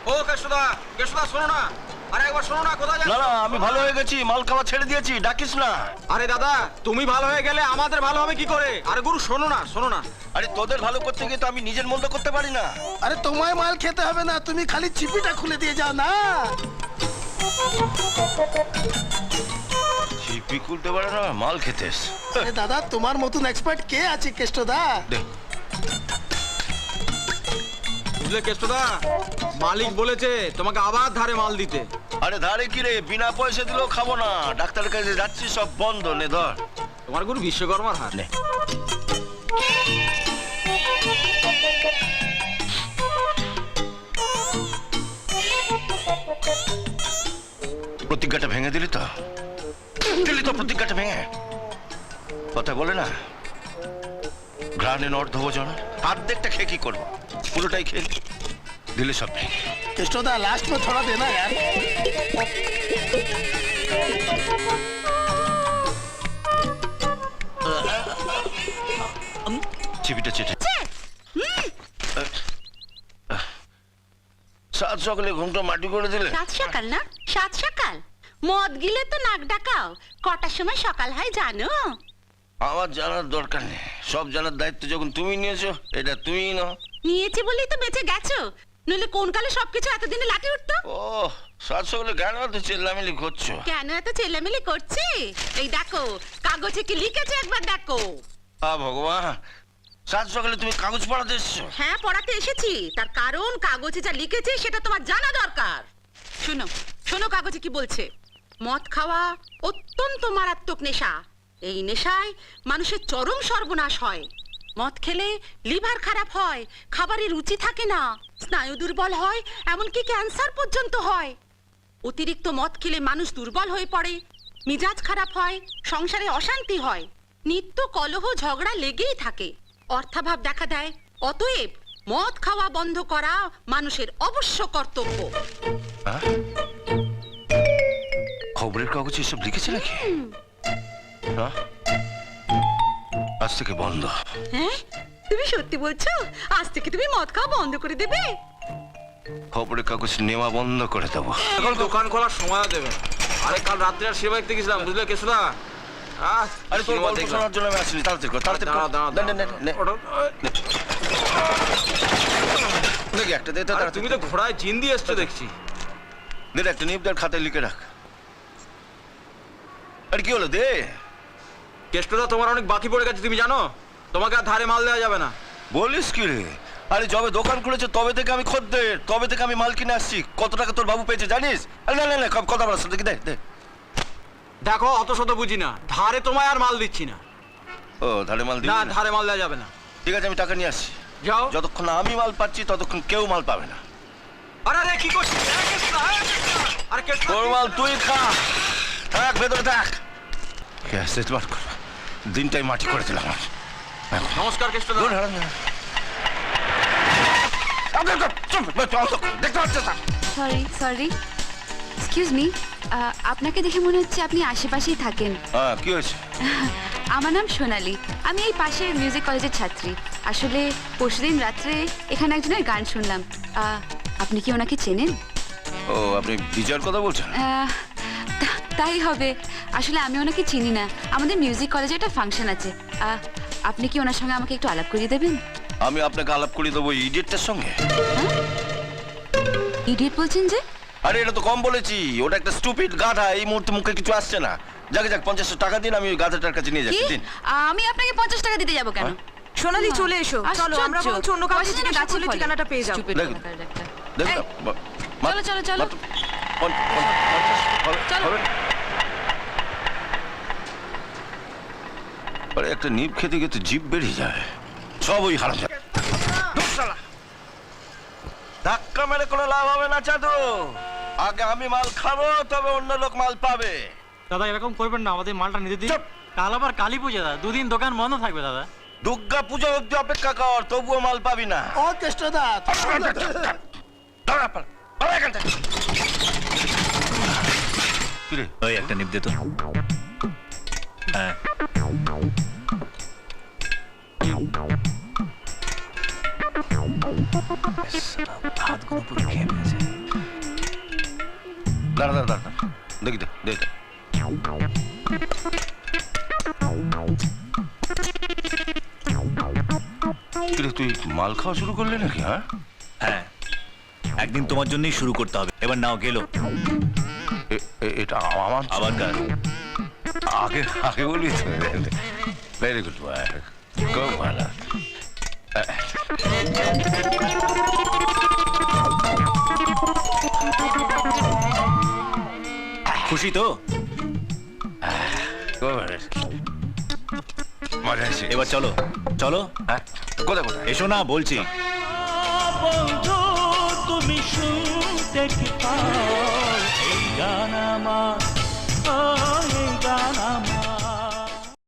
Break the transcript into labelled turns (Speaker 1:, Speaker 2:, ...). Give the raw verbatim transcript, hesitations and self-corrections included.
Speaker 1: ও কেশুদা, কেশুদা শোনো না, আরে একবার শোনো না, কোথায় যাচ্ছ?
Speaker 2: না না, আমি ভালো হয়ে গেছি, মাল খাওয়া ছেড়ে দিয়েছি, ডাকিস না।
Speaker 1: আরে দাদা, তুমি ভালো হয়ে গেলে আমাদের ভালো হবে কি করে? আরে গুরু শোনো না, শোনো না।
Speaker 2: আরে তোদের ভালো করতে গিয়ে তো আমি নিজের মন্দ করতে পারি না।
Speaker 3: আরে তোমায় মাল খেতে হবে না, তুমি খালি চিপিটা খুলে দিয়ে যাও না।
Speaker 2: চিপি খুলতে পারে না, মাল খেতেস।
Speaker 3: আরে দাদা, তোমার মতন এক্সপার্ট কে আছে কেষ্টদা?
Speaker 2: দে।
Speaker 1: বুঝলে কেশুদা, মালিক বলেছে তোমাকে আবার ধারে মাল দিতে।
Speaker 2: আরে ধারে কি রে, বিনা পয়সা দিলেও খাবো না। ডাক্তারের কাছে যাচ্ছি, সব বন্ধ। নে ধর।
Speaker 1: তোমার গুরু বিশ্বকর্মার হাত।
Speaker 2: নে। প্রতিজ্ঞাটা ভেঙে দিলি তো? দিলি তো প্রতিজ্ঞাটা ভেঙে? কথা বলে না, ঘ্রাণে অর্ধভোজন, অর্ধেকটা খেয়ে কি করবো? পুরোটাই খেয়ে দিলে সব ভেঙে।
Speaker 3: केष्टोदा लास्ट में थोड़ा देना यार।
Speaker 2: চিবিটা চেটে সাত সকালে ঘুমটা মাটি করে দিলে।
Speaker 4: সাত সকাল না, সাত সকাল মদ গিলে তো নাক ডাকাও। কটার সময় সকাল হয় জানো?
Speaker 2: আমার জানার দরকার নেই, সব জানার দায়িত্ব যখন তুমি নিয়েছো, এটা তুমিই নাও।
Speaker 4: নিয়েছি বলেই তো বেঁচে গেছো, নইলে কোন কালে সবকিছু এতদিনে লাঠি উঠতো।
Speaker 2: ও সাত সকালে কেন তো চেল্লামিলি করছো?
Speaker 4: কেন এত চেল্লামিলি করছি? এই দেখো, কাগজে কি লিখেছে একবার দেখো।
Speaker 2: আ ভগবান, সাত সকালে তুমি কাগজ পড়াতে এসছো?
Speaker 4: হ্যাঁ, পড়াতে এসেছি, তার কারণ কাগজে যা লিখেছে সেটা তোমার জানা দরকার। শোনো শোনো, কাগজে কি বলছে। মদ খাওয়া অত্যন্ত মারাত্মক নেশা। এই নেশায় মানুষের চরম সর্বনাশ হয়। মদ খেলে লিভার খারাপ হয়, খাবারের রুচি থাকে না, স্নায়ু দুর্বল হয়, এমনকি ক্যান্সার পর্যন্ত হয়। অতিরিক্ত মদ খেলে মানুষ দুর্বল হয়ে পড়ে, মিজাজ খারাপ হয়, সংসারে অশান্তি হয়, নিত্য কলহ ঝগড়া লেগেই থাকে, অর্থাভাব দেখা দেয়। অতএব মদ খাওয়া বন্ধ করা মানুষের অবশ্য কর্তব্য।
Speaker 2: আহ? খবরের কাগজে এসব লিখেছে নাকি? হ্যাঁ? আজ থেকে বন্ধ।
Speaker 4: হ্যাঁ, তুমি সত্যি বলছো? আজ থেকে তুমি মদ খাওয়া বন্ধ করে দেবে?
Speaker 2: খবরের কাগজ নেওয়া বন্ধ করে দেবো।
Speaker 1: এখন দোকান খোলার সময় দেবে। আরে কাল রাত্রে আর সেবা দেখতে গেছিলাম, বুঝলে কেশুদা। আহ,
Speaker 2: আরে তোর
Speaker 1: সিনেমা
Speaker 2: গল্প
Speaker 1: দেখলাম।
Speaker 2: শোনার জন্য আমি আসিনি, তাড়াতাড়ি কর, তাড়াতাড়ি কর।
Speaker 1: দাঁড়াও, দাঁড়াও,
Speaker 2: নে, নে, নে, নে।
Speaker 1: দাঁড়াও।
Speaker 2: দেখি একটা দে তো,
Speaker 1: আরে
Speaker 2: তাড়াতাড়ি।
Speaker 1: তুমি তো ঘোড়ায় জিন দিয়ে এসছো দেখছি।
Speaker 2: দে রে, একটা নিবদার খাতায় লিখে রাখ। আরে কি হলো, দে।
Speaker 1: কেষ্টদা, তোমার অনেক বাকি পড়ে গেছে, তুমি জানো? তোমাকে আর ধারে মাল দেওয়া যাবে না।
Speaker 2: বলিস কি রে? আরে যবে দোকান খুলেছে তবে থেকে আমি খদ্দের, তবে থেকে আমি মাল কিনে আসছি। কত টাকা তোর বাবু পেয়েছে জানিস? আরে না না না, কথা বলার সাথে দে দে।
Speaker 1: দেখো, অত শত বুঝি না, ধারে তোমায় আর মাল দিচ্ছি না।
Speaker 2: ও ধারে মাল দিবি
Speaker 1: না,
Speaker 2: না?
Speaker 1: ধারে মাল দেওয়া যাবে না।
Speaker 2: ঠিক আছে, আমি টাকা নিয়ে আসছি।
Speaker 1: যাও।
Speaker 2: যতক্ষণ না আমি মাল পাচ্ছি ততক্ষণ কেউ মাল পাবে না।
Speaker 1: আরে আরে কি করছিস? আরে কেষ্টদা, আরে কেষ্টদা, আরে কেষ্টদা,
Speaker 2: তোর মাল তুই খা, থাক ভেতরে থাক। ক্যাসেট বার কর, দিনটাই মাটি করে দিলাম।
Speaker 1: নমস্কার কেষ্টদা।
Speaker 2: দেখতে পাচ্ছ?
Speaker 5: সরি সরি এক্সকিউজ মি, আপনাকে দেখে মনে হচ্ছে আপনি আশেপাশেই থাকেন।
Speaker 2: হ্যাঁ, কি হয়েছে?
Speaker 5: আমার নাম সোনালি, আমি এই পাশের মিউজিক কলেজের ছাত্রী। আসলে পরশুদিন রাত্রে এখানে একজনের গান শুনলাম। আহ, আপনি কি ওনাকে চেনেন?
Speaker 2: ও, আপনি বিজয়ের কথা বলছেন?
Speaker 5: আহ, তা- তাই হবে। আসলে আমি ওনাকে চিনি না, আমাদের মিউজিক কলেজে একটা ফাংশন আছে। আহ, আপনি কি ওনার সঙ্গে আমাকে একটু আলাপ করিয়ে দেবেন?
Speaker 2: আমি আপনাকে আলাপ করে দেবো ইডিয়েটটার সঙ্গে।
Speaker 5: ইডিয়েট বলছেন যে?
Speaker 2: আরে এটা তো কম বলেছি, ওটা একটা স্টুপিড গাধা। এই মুহূর্তে মুখে কিছু আসছে না। যাকে যাক, পঞ্চাশ টাকা দিন, আমি ওই গাধাটার কাছে নিয়ে
Speaker 5: কি?
Speaker 2: যাচ্ছি। দিন।
Speaker 5: আমি আপনাকে পঞ্চাশ টাকা দিতে যাবো কেন?
Speaker 6: সোনালি, চলে এসো। চলো, আমরা বরঞ্চ অন্য কাউকে জিজ্ঞাসা করলে ঠিকানাটা পেয়ে যাবো।
Speaker 5: Stupid
Speaker 2: দেখুন।
Speaker 5: কোথাকার একটা।
Speaker 2: দেখুন,
Speaker 5: এই,
Speaker 2: বা-
Speaker 5: চলো চলো চলো।
Speaker 2: মাত্র পঞ্চ- পঞ্চ- পঞ্চাশ হবে-
Speaker 5: চলো।
Speaker 2: হবে না? আরে একটা নিপ খেতে গিয়ে তো জিভ বেরিয়ে যায়, সব ওই হারাম। ধাক্কা মেরে কোনো লাভ হবে না চাঁদু। আগে আমি মাল খাবো, তবে অন্য লোক মাল পাবে।
Speaker 7: দাদা এরকম করবেন না, আমাদের মালটা নিতে দিন।
Speaker 2: চুপ!
Speaker 7: কাল আবার কালী পূজা দাদা, দুদিন দোকান বন্ধ থাকবে দাদা।
Speaker 2: দুর্গা পূজা অব্দি অপেক্ষা কর, তবুও মাল পাবি না।
Speaker 3: ओ केष्टोदा
Speaker 2: দাঁড়া, পালা, পালা এখান থেকে। কি রে?
Speaker 8: ওই একটা নিপ দে তো। হ্যাঁ, হাতগুলো পুরো খেয়ে ফেলেছে।
Speaker 2: দাঁড়া দাঁড়া দাঁড়া দেখি দে দেখ তুই মাল খাওয়া শুরু করলি নাকি? হ্যাঁ
Speaker 8: হ্যাঁ, একদিন তোমার জন্যই শুরু করতে হবে। এবার নাও গেলো।
Speaker 2: এ- এ- এটা আমার
Speaker 8: আবার কার?
Speaker 2: আগে আগে বলবি তো। ভেরি গুড বয়, খুব ভালো।
Speaker 8: খুশি তো?
Speaker 2: খুব ভালো। মজা আছে।
Speaker 8: এবার চলো চলো।
Speaker 2: হ্যাঁ কোথায় কোথায়?
Speaker 8: এসো না বলছি।
Speaker 9: বন্ধু তুমি শুনতে কি পাও এই গান আমার